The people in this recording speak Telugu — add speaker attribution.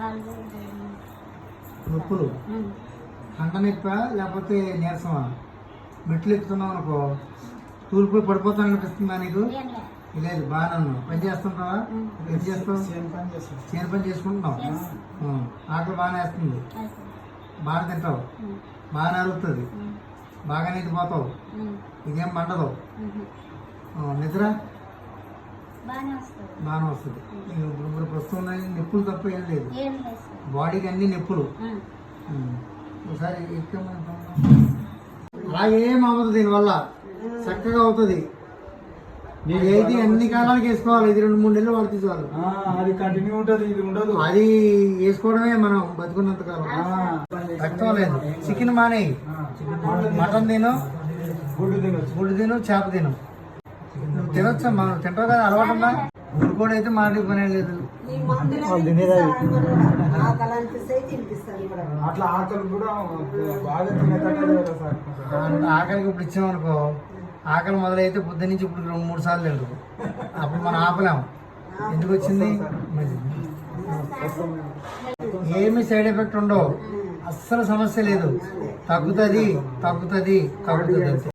Speaker 1: నొప్పులు కంట నొప్ప లేకపోతే నీరసమా? మెట్లు ఎక్కుతున్నావు అనుకో తూలిపోయి పడిపోతాను అనిపిస్తుందా నీకు? లేదు, బాగానే ఉన్నావు. పని చేస్తుంటావా? ఏం చేస్తావు? చేను పని చేసుకుంటున్నావు. ఆకలి బాగానే వేస్తుంది, బాగా తింటావు, బాగానే అరుగుతుంది, బాగా నిద్రపోతావు, ఇదేం మండదు. నిద్ర బాగానే వస్తుంది. ఇప్పుడు ప్రస్తుతం నొప్పులు తప్ప ఏం లేదు, బాడీకి అన్ని నొప్పులు. ఒకసారి అలా ఏం అవ్వదు, దీనివల్ల చక్కగా అవుతుంది. మీరు ఏది అన్ని కాలాలకు వేసుకోవాలి. ఇది 2-3 నెలలు వాడితే చాలు,
Speaker 2: అది కంటిన్యూ ఉంటుంది, ఇది ఉండదు.
Speaker 1: అది వేసుకోవడమే మనం బతుకున్నంత కాలం. రక్తం లేదు, చికెన్ మానేయి, మటన్ తిను, గుడ్డు తిను, చేప తిను. నువ్వు తినొచ్చా? మనం తింటావు కదా, అలవాటమ్మా. గుడ్డు కూడా అయితే మాడే పనే లేదు.
Speaker 2: అట్లా ఆకలి కూడా బాగా తినేటట్టు.
Speaker 1: ఆకలికి ఇప్పుడు ఇచ్చామనుకో, ఆకలి మొదలైతే పొద్దు నుంచి ఇప్పుడు 2-3 సార్లు తింటు. అప్పుడు మనం ఆపలేము. ఎందుకు వచ్చింది? ఏమి సైడ్ ఎఫెక్ట్ ఉండవు, అస్సలు సమస్య లేదు. తగ్గుతుంది.